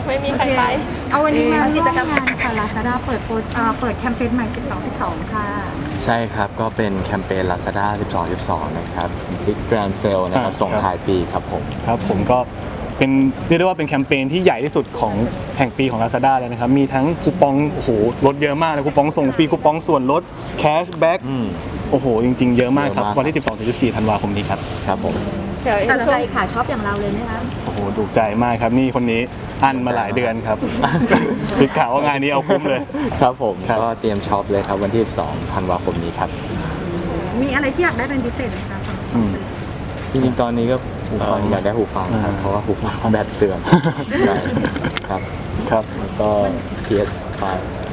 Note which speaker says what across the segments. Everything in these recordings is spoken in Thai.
Speaker 1: ไม่มีใครไป
Speaker 2: เอาวันนี้มากิจกรรมงานค่ะ Lazada เปิดแคมเปญใหม่12/12ค่ะ
Speaker 3: ใช่ครับก็เป็นแคมเปญ Lazada 12/12 นะครับ Big Grand Sale นะครับส่งท้ายปีครับผม
Speaker 4: ครับผมก็เป็นเรียกได้ว่าเป็นแคมเปญที่ใหญ่ที่สุดของแห่งปีของ Lazada เลยนะครับมีทั้งคูปองโอ้โหลดเยอะมากเลยคูปองส่งฟรีคูปองส่วนลดแคชแบ็กโอ้โหจริงๆเยอะมากครับวันที่ 12-14 ธันวาคมนี้ครับ
Speaker 3: ครับผม
Speaker 2: แต่ใจขาช็อปอย่างเราเลยไหมคะ
Speaker 4: โอ้โหถูกใจมากครับนี่คนนี้อันมาหลายเดือนครับคือข่าวว่างานนี้เอาคุ้มเลย
Speaker 3: ครับผมก็เตรียมช็อปเลยครับวันที่ 12 ธันวาคมนี้ครับ
Speaker 2: มีอะไรที่อยากได้เป็นพิเศษไหมคะ
Speaker 3: จริงๆตอนนี้ก็หูฟังอยากได้หูฟังครับเพราะว่าหูฟังแบตเสื่อมครับ
Speaker 4: ครับ
Speaker 3: แล้วก็ PS5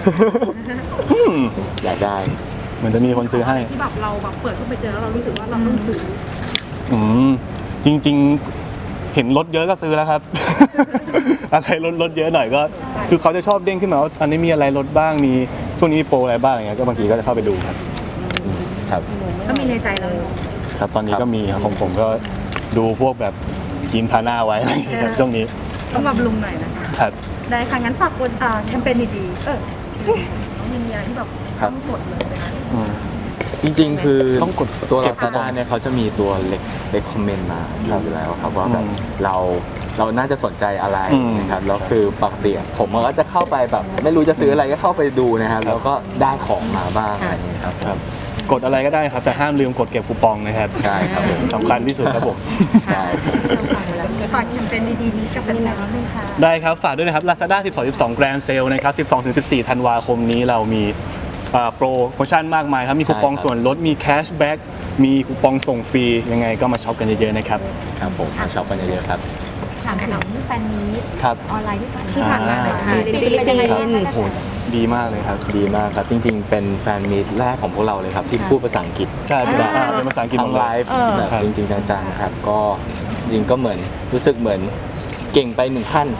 Speaker 3: อยากได้
Speaker 4: เหมือนจะมีคนซื้อให้
Speaker 2: ที่แบบเราแบบเปิดเข้าไปเจอแล้วเรารู้สึกว่าเราต้องซื้อ
Speaker 4: จริงๆเห็นรถเยอะก็ซื้อแล้วครับ อะไรรถเยอะหน่อยก็คือเขาจะชอบเด้งขึ้นมาว่าอันนี้มีอะไรลดบ้างมีช่วงนี้มีโปรอะไรบ้างอย่างเงี้ยก็บางทีก็จะเข้าไปดูครับ
Speaker 3: ครับ
Speaker 2: ก็มีในใจเรา
Speaker 4: ครับตอนนี้ก็มีของผมก็ดูพวกแบบครีมทาหน้าไว้อะไรอย่างเงี้ยครับช่วงนี้
Speaker 2: ต้องบำรุงหน่อยนะครับได้ค่ะงั้นฝากแคมเปญดีๆมีอะไรที่แบบต้องกดเลยนะ
Speaker 3: จริงๆคือต้องกดตัว Lazada เนี่ยเขาจะมีตัวเล็กคอมเมนต์มาอยู่แล้วครับว่าแบบเราน่าจะสนใจอะไรนะครับแล้วคือปกติผมก็จะเข้าไปแบบไม่รู้จะซื้ออะไรก็เข้าไปดูนะครับแล้วก็ได้ของมาบ้างอะไรอย่างนี้ครับ
Speaker 4: กดอะไรก็ได้ครับแต่ห้ามลืมกดเก็บคูปองนะครับ
Speaker 3: ใช่ครับผม
Speaker 4: สำคัญที่สุดครับผม
Speaker 3: ใช่
Speaker 2: ฝากแคมเปญดีๆนี้กับแฟนๆด้วยค่ะ
Speaker 4: ได้ครับฝากด้วยนะครับ Lazada 12/12 Grand Sale นะครับ 12-14 ธันวาคมนี้เรามีโปรโมชั่นมากมายครับมีคูปองส่วนลดมีแคชแบ็กมีคูปองส่งฟรียังไงก็มาช็อปกันเยอะๆนะครับ
Speaker 3: ครับผมมาช็อปกันเยอะๆครับ
Speaker 2: ถามถึงแฟนมีตออนไลน์ที่ผ่านมา
Speaker 4: ฟิลิปปินส์โหดีมากเลยครับ
Speaker 3: ดีมากครับจริงๆเป็นแฟนมีตแรกของพวกเราเลยครับที่พูดภาษาอังกฤษ
Speaker 4: ใช่เป็นภาษาอังกฤษหมดเลย
Speaker 3: ไลฟ์แบบจริงๆจังๆครับก็จริงก็เหมือนรู้สึกเหมือนเก่งไป1ขั้น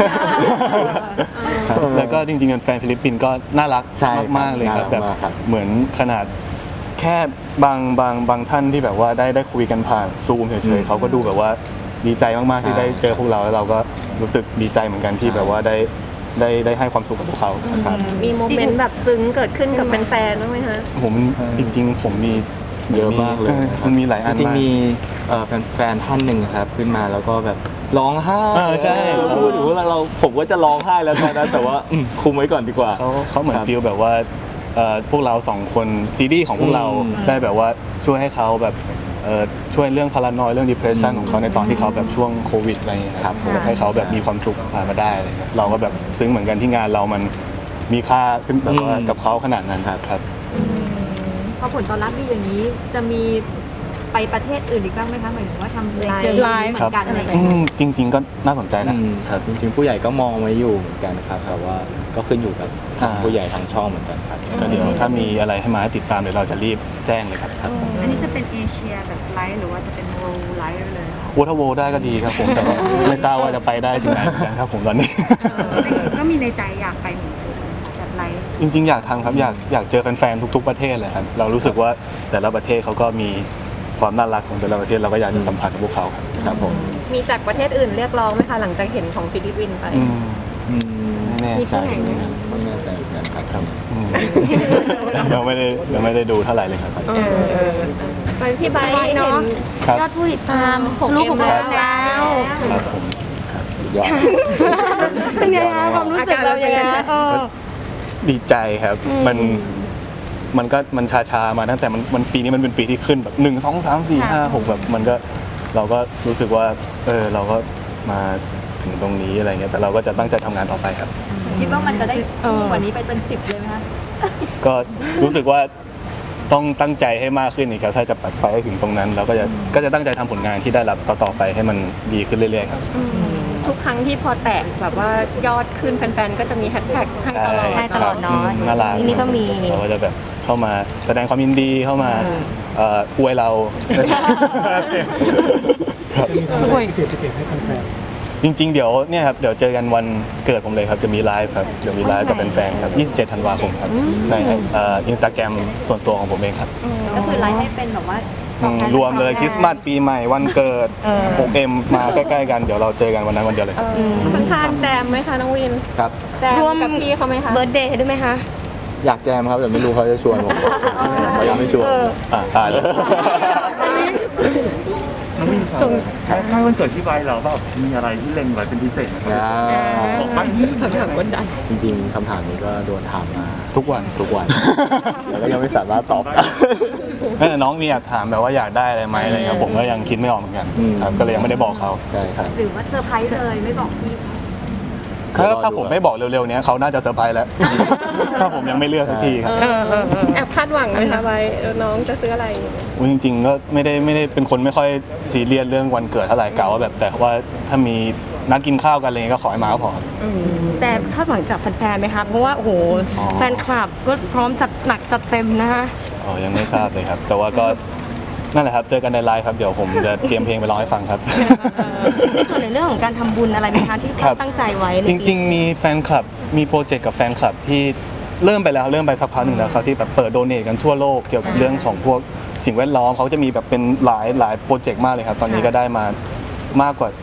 Speaker 4: แล้วก็จริงๆแฟนฟิลิปปินส์ก็น่ารักมากๆเลยครับแบบเหมือนขนาดแค่บางท่านที่แบบว่าได้คุยกันผ่านซูมเฉยๆเขาก็ดูแบบว่าดีใจมากๆที่ได้เจอพวกเราแล้วเราก็รู้สึกดีใจเหมือนกันที่แบบว่าได้ให้ความสุขกับพวกเขาครับ
Speaker 1: มีโมเมนต์แบบซึ้งเกิดขึ้นกับแฟนๆบ้างไหมคะ
Speaker 4: ผมจริงๆผมมี
Speaker 3: เยอะมากเลย
Speaker 4: มันมีหลายอัน
Speaker 3: จริงมีแฟนท่านหนึ่งครับขึ้นมาแล้วก็แบบร้องไห้
Speaker 4: ใช่
Speaker 3: พูดถึงว่าผมก็จะร้องไห้แล้วตอนนั้นแต่ว่าคุมไว้ก่อนดีกว่า
Speaker 4: เขาเหมือนฟีลแบบว่าพวกเรา2คนซีรีส์ของพวกเราได้แบบว่าช่วยให้เขาแบบช่วยเรื่องพารานอยเรื่อง depression ของเขาในตอนที่เขาแบบช่วงโควิดอะไรอย่างเงี้ยครับให้เขาแบบมีความสุขผ่านมาได้อะไรเงี้ยเราก็แบบซึ้งเหมือนกันที่งานเรามันมีค่าขึ้นแบบว่ากับเขาขนาดนั้นครับ
Speaker 2: พอผลตอบรับดีอย่างนี้จะมีไปประเทศอื่นอีกบ้างไหมคะหมายถึงว่าทำไลฟ์เหมือนกันอะไรอย่างเงี้ย
Speaker 4: จริงๆก็น่าสนใจนะครับ
Speaker 3: จริงๆผู้ใหญ่ก็มองไว้อยู่เหมือนกันครับแต่ว่าก็ขึ้นอยู่กับผู้ใหญ่ทางช่องเหมือนกันครับ
Speaker 4: ก็เดี๋ยวถ้ามีอะไรให้มาให้ติดตามเดี๋ยวเราจะรีบแจ้งเลยครับ
Speaker 2: อันนี้จะเป็นเอเชียแบบไลฟ์หรือว่าจะเป็นโวลไลฟ์เลย
Speaker 4: ถ้าโวได้ก็ดีครับผมแต่ไม่ทราบว่าจะไปได้ถึงไหนเหมือนกันครับผมตอนนี้
Speaker 2: ก็มีในใจอยากไปเหมือนกันแบบไลฟ์
Speaker 4: จริงๆอยากทำครับอยากเจอแฟนๆทุกๆประเทศเลยครับเรารู้สึกว่าแต่ละประเทศเขาก็มีความน่ารักของแต่ละประเทศเราก็อยากจะสัมผัสกับพวกเขา
Speaker 3: ครับผม
Speaker 1: มีจากประเทศอื่นเรียกร้องไหมคะหลังจากเห็นของฟิลิปปินส์ไป
Speaker 4: ไม่แน่ใจ
Speaker 3: ไม่แน่ใจเหมือนกันครับ
Speaker 4: ยังไม่ได้ดูเท่าไหร่เลยครับ
Speaker 1: ไปพี่ไบค์เนาะ
Speaker 2: ยอดผู้ติดตามลูกของเราแล้ว
Speaker 4: ครับผม
Speaker 3: ยอด
Speaker 2: เป็นไงคะความรู้สึกเราอย่างไง
Speaker 4: ดีใจครับมันชามาตั้งแต่มันปีนี้มันเป็นปีที่ขึ้นแบบ1 2 3 4 5 6แบบมันก็เราก็รู้สึกว่าเราก็มาถึงตรงนี้อะไรเงี้ยแต่เราก็จะตั้งใจทำงานต่อไปครับ
Speaker 2: คิดว่ามันจะได้กว่านี้ไปเป็น10เลยไหมคะ
Speaker 4: ก็รู้สึกว่าต้องตั้งใจให้มากขึ้นอีกครับถ้าจะไปให้ถึงตรงนั้นเราก็จะตั้งใจทำผลงานที่ได้รับต่อไปให้มันดีขึ้นเรื่อยๆครับ
Speaker 1: ทุกครั้งที่พอแตะแบบว่ายอดขึ้นแฟนๆก็จะมีแฮชแท็กให้ตลอด
Speaker 2: น้อย
Speaker 4: น่ารัก
Speaker 2: นี่ก็มี
Speaker 4: เราก็จะแบบเข้ามาแสดงความยินดีเข้ามาอวยเราจริงๆเดี๋ยวเนี่ยครับเดี๋ยวเจอกันวันเกิดผมเลยครับจะมีไลฟ์ครับเดี๋ยวมีไลฟ์กับแฟนๆครับ27 ธันวาคมครับในInstagram ส่วนตัวของผมเองครับ
Speaker 2: ก็คือไลฟ์ให้เป็นแบบว่า
Speaker 4: รวมเลยคริสต์มาสปีใหม่วันเกิด 6M มาใกล้ๆกันเดี๋ยวเราเจอกันวันนั้นวันเดียวเลย
Speaker 1: ข้างๆแจมไหมคะน้องวิน
Speaker 3: ครับ
Speaker 1: แจมกับพี่เขาไหมคะ
Speaker 2: เบิร์ธเดย์ด้วยไหมคะ
Speaker 3: อยากแจมครับแต่ไม่รู้เขาจะชวนผมเขายังไม่ชวน
Speaker 4: ตายแล้ว
Speaker 5: น้องมินครับใกล้วันเกิดที่ไว้เราแบบมีอะไรที่เล็งไว้เป็นพิเศษไหมครับบอกบ้าง
Speaker 3: จริงๆคำถามนี้ก็โดนถามมา
Speaker 4: ทุกวัน
Speaker 3: แล้วก็ยังไม่สามารถตอบได้
Speaker 4: แม่แต่น้องมีอยากถามแบบว่าอยากได้อะไรไหมอะไรเงี้ยผมก็ยังคิดไม่ออกเหมือนกันครับก็เลยยังไม่ได้บอกเขา
Speaker 3: ใช่ครับ
Speaker 2: หรือว่าเซอร์ไพรส์เลยไม่บอกพี่
Speaker 4: ถ้าผมไม่บอกเร็วๆเนี้ยเขาน่าจะเซอร์ไพรส์แล้ว ถ้าผมยังไม่เลือกสักทีครับ
Speaker 1: แอบคาดหวังไหมคะไว้น้องจะซื้ออะไร
Speaker 4: อุ๊ยจริงๆก็ไม่ได้เป็นคนไม่ค่อยซีเรียสเรื่องวันเกิดเท่าไหร่กะว่าแบบแต่ว่าถ้ามีนัดกินข้าวกันอะไรเงี้ยก็ขอให้มาก็พอครับ
Speaker 2: แจมคาดหวังจากแฟนๆไหมคะเพราะว่าโอ้โหแฟนคลับก็พร้อมจัดหนักจัดเต็มนะคะ
Speaker 4: อ๋อยังไม่ทราบเลยครับ แต่ว่าก็นั่นแหละครับเจอกันในไลฟ์ครับเดี๋ยวผมจะเตรียมเพลงไปร้องให้ฟังครับ
Speaker 2: มีส่วนในเรื่องของการทำบุญอะไรไหมคะที่
Speaker 4: ครับ
Speaker 2: ตั้งใจไว้ใน
Speaker 4: จริงๆมีแฟนคลับมีโปรเจกต์กับแฟนคลับที่เริ่มไปสักพักหนึ่งแล้วครับที่แบบเปิดโดเนทกันทั่วโลกเกี่ยวกับเรื่องของพวกสิ่งแวดล้อมเขาจะมีแบบเป็นหลายโปรเจกต์มากเลยครับตอนนี้ก็ได้มามากกว่า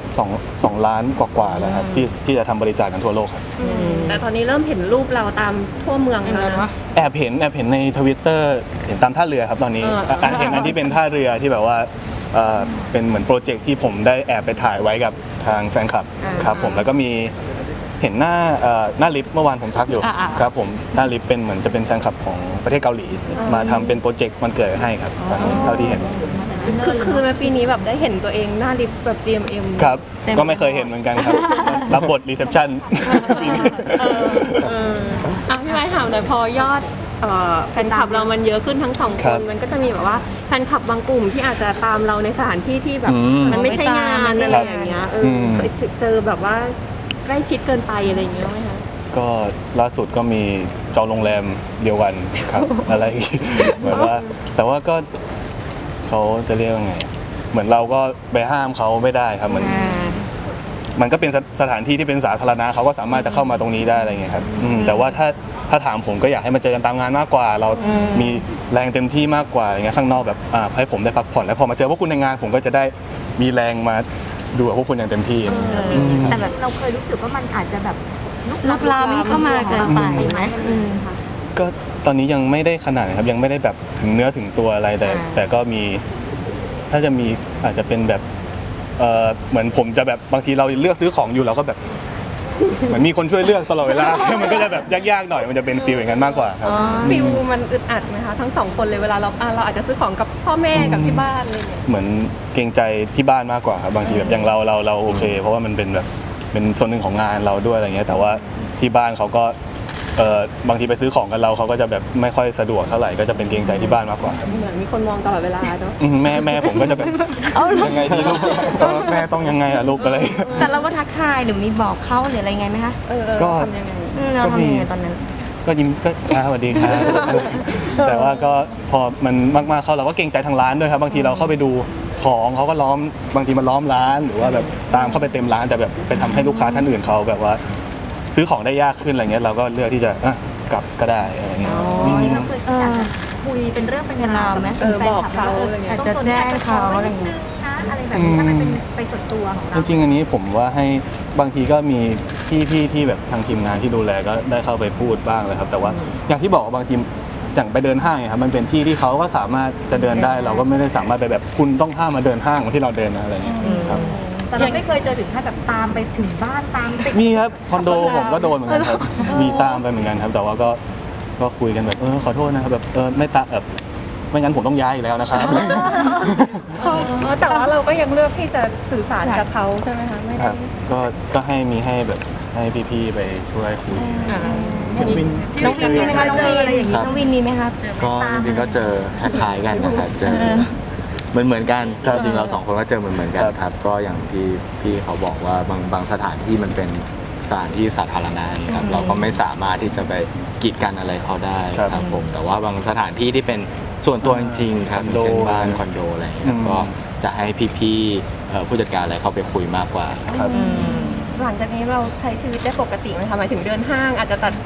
Speaker 4: 2 ล้านกว่าๆแล้วครับที่จะทำบริจาคกันทั่วโลกครับ
Speaker 1: แต่ตอนนี้เริ่มเห็นรูปเราตามทั่วเมืองแล้วนะ
Speaker 4: แอบเห็นในทวิตเตอร์เห็นตามท่าเรือครับตอนนี้เห็นอันที่เป็นท่าเรือที่แบบว่าเป็นเหมือนโปรเจกต์ที่ผมได้แอบไปถ่ายไว้กับทางแฟนคลับครับผมแล้วก็มีเห็นหน้าลิฟต์เมื่อวานผมทักอยู่ครับผมหน้าลิฟต์เป็นเหมือนจะเป็นแฟนคลับของประเทศเกาหลีมาทำเป็นโปรเจกต์วันเกิดให้ครับตอนนี้เท่าที่เห็น
Speaker 1: คือในปีนี้แบบได้เห็นตัวเองหน้าลิฟต์แบบ GMM
Speaker 4: ครับก็ไม่เคยเห็นเหมือนกันครับรับบทรีเซพชันปีนี้
Speaker 1: พี่ไม้ถามหน่อยพอยอดแฟนคลับเรามันเยอะขึ้นทั้งสองคนมันก็จะมีแบบว่าแฟนคลับบางกลุ่มที่อาจจะตามเราในสถานที่ที่แบบมันไม่ใช่งานอะไรอย่างเงี้ยเคยเจอแบบว่าใกล้ชิดเกินไปอะไรอย่างเงี้ยไหมคะ
Speaker 4: ก็ล่าสุดก็มีจองโรงแรมเดียวกันครับ อะไรอย่างงี้เหมือนว่าแต่ว่าก็เขาจะเรียกว่าไงเหมือนเราก็ไปห้ามเขาไม่ได้ครับมันก็เป็นสถานที่ที่เป็นสาธารณะเขาก็สามารถจะเข้ามาตรงนี้ได้อะไรเงี้ยครับแต่ว่าถ้าถามผมก็อยากให้มาเจอกันตามงานมากกว่า เรามีแรงเต็มที่มากกว่าอย่างเงี้ยข้างนอกแบบให้ผมได้พักผ่อนแล้วพอมาเจอพวกคุณในงาน ผมก็จะได้มีแรงมาดูกับพวกคุณอย่างเต็มที่อย่างเงี้ยครับ
Speaker 2: แต่แบบเราเคยรู้สึกว่ามันอาจจะแบบลุกลามเข้ามาเกินไปไหม
Speaker 4: ก็ตอนนี้ยังไม่ได้ขนาดนะครับยังไม่ได้แบบถึงเนื้อถึงตัวอะไรแต่ก็มีถ้าจะมีอาจจะเป็นแบบเหมือนผมจะแบบบางทีเราเลือกซื้อของอยู่เราก็แบบเหมือนมีคนช่วยเลือกตลอดเวลา มันก็จะแบบยากๆหน่อยมันจะเป็นฟีลอย่างนั้นมากกว่าครับ
Speaker 1: ฟิลมันอึดอัดไหมคะทั้งสองคนเลยเวลาเราอาจจะซื้อของกับพ่อแม่กับที่บ้านอะไรอย่างเงี้ย
Speaker 4: เหมือนเกรงใจที่บ้านมากกว่าครับบางทีแบบอย่างเราโอเค เพราะว่ามันเป็นแบบเป็นส่วนหนึ่งของงานเราด้วยอะไรเงี้ยแต่ว่าที่บ้านเขาก็บางทีไปซื้อของกันเขาก็จะแบบไม่ค่อยสะดวกเท่าไหร่ก็จะเป็นเกรงใจที่บ้านมากกว่าครับ
Speaker 1: เหมือนมีคนมองตลอดเวลาเนาะ
Speaker 4: แม่ผมก็จะแบบยังไงดีลูกแม่ต้องยังไงอะลูกอะไร
Speaker 2: แต่เราก็ทักทายหรือมีบอกเขาหรืออะไรไงไหมคะ
Speaker 4: ก็
Speaker 1: ทำยังไง
Speaker 2: เราทำยังไงตอนนั้น
Speaker 4: ก็ยิ้มก็ช้าสวัสดีครับ แต่ว่าก็พอมันมากๆเข้าเราก็เกรงใจทางร้านด้วยครับบางทีเราเข้าไปดูของเขาก็ล้อมบางทีมันล้อมร้านหรือว่าแบบตามเข้าไปเต็มร้านแต่แบบไปทำให้ลูกค้าท่านอื่นเขาแบบว่า ซื้อของได้ยากขึ้นอะไรเงี้ยเราก็เลือกที่จะกลับก็ได้อะไรเงี้ย
Speaker 2: เราเคยอยากจะคุยเป็นเรื่องเป็นราวไหม
Speaker 1: บอกเขาอะไรเงี้ย
Speaker 2: อาจจะแจ้งเขาอะไรอย่างเงี้ยอะไรแบบนี้ถ้ามันเป็นไปส่วนตัวของ
Speaker 4: จ
Speaker 2: เรา
Speaker 4: ริงๆอันนี้ผมว่าให้บางทีก็มีพี่ที่แบบทางทีมงานที่ดูแลก็ได้เข้าไปพูดบ้างเลยครับแต่ว่าอย่างที่บอกว่าบางทีอย่างไปเดินห้างเนี่ยครับมันเป็นที่ที่เขาก็สามารถจะเดินได้เราก็ไม่ได้สามารถไปแบบคุณต้องห้ามมาเดินห้างเหมือนที่เราเดินนะอะไรเงี้ยครับ
Speaker 2: แต่เราไม่เคยเจอถึงขั้นแบบตามไปถึงบ้านตามติด
Speaker 4: มีครับคอนโดผมก็โดนเหมือนกันครับมีตามไปเหมือนกันครับแต่ว่าก็คุยกันแบบขอโทษนะครับแบบไม่ตามแบบไม่งั้นผมต้องย้ายอีกแล้วนะครับ
Speaker 1: แต่ว่าเราก็ยังเลือกที่จะสื่อสารกับเขาใช่ไหมคะไม่
Speaker 4: ค
Speaker 1: ได้
Speaker 4: รับก็ให้แบบให้พี่ๆไปช่วยคุย
Speaker 2: น้องวินมีไหมคะน้องวินอะไรอย่างงี้น้องวินมีไหมคะ
Speaker 3: ก็จริงๆก็เจอคล้ายๆกันนะครับเจอเหมือนกันจริงๆเราสองคนก็เจอเหมือนกันครับก็อย่างที่พี่เขาบอกว่าบางสถานที่มันเป็นสถานที่สาธารณะครับเราก็ไม่สามารถที่จะไปกีดกันอะไรเขาได้ครับผมแต่ว่าบางสถานที่ที่เป็นส่วนตัวจริงๆครับเช่นบ้านคอนโดอะไรอย่างเงี้ยครับก็จะให้พี่ๆผู้จัดการอะไรเข้าไปคุยมากกว่า
Speaker 4: ครับ
Speaker 1: หลังจากนี้เราใช้ชีวิตได้ปกติไหมคะหมายถึงเดินห้างอาจจะตัด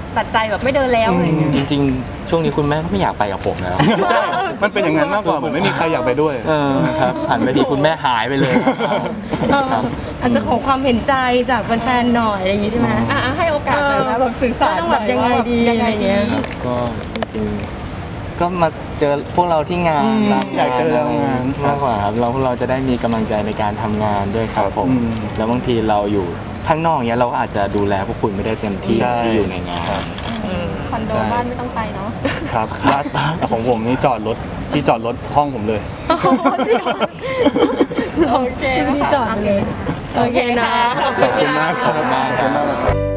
Speaker 1: ตัดใจแบบไม่เดินแล้วอะไรเงี้ย
Speaker 3: จริงๆ ช่วงนี้คุณแม่ก็ไม่อยากไปกับผมแล้ว
Speaker 4: ใช่ มันเป็นอย่างนั้นมากกว่าเหมือนไม่มีใครอยากไปด้วย
Speaker 3: ครับหันไปทีคุณแม่หายไปเลย
Speaker 6: อาจจะขอความเห็นใจจากแฟนๆหน่อยอะไรอย่างงี้ใช่ไหม
Speaker 1: ให้โอกาสเลยนะแบบสื่อสาร
Speaker 6: ต้องแบบยังไงดีอะไรเงี้ย
Speaker 3: ครับก็จริงๆก็มาเจอพวกเราที่งานตาม
Speaker 4: อยากเจอเรางาน
Speaker 3: มากกว่าครับเราจะได้มีกำลังใจในการทำงานด้วยครับผม แล้วบางทีเราอยู่ข้างนอกเนี้ยเราก็อาจจะดูแลพวกคุณไม่ได้เต็มที่
Speaker 4: ใช่
Speaker 3: ที่อยู่ในงาน
Speaker 1: คอนโดบ้านไม่ต้องไปเนาะ
Speaker 4: ครับล่าสุดของผมนี่จอดรถที่จอดรถห้องผมเลย
Speaker 1: โอเค
Speaker 6: ที่จอดเลย
Speaker 1: โอเคนะ
Speaker 4: ขอบคุณมากครับ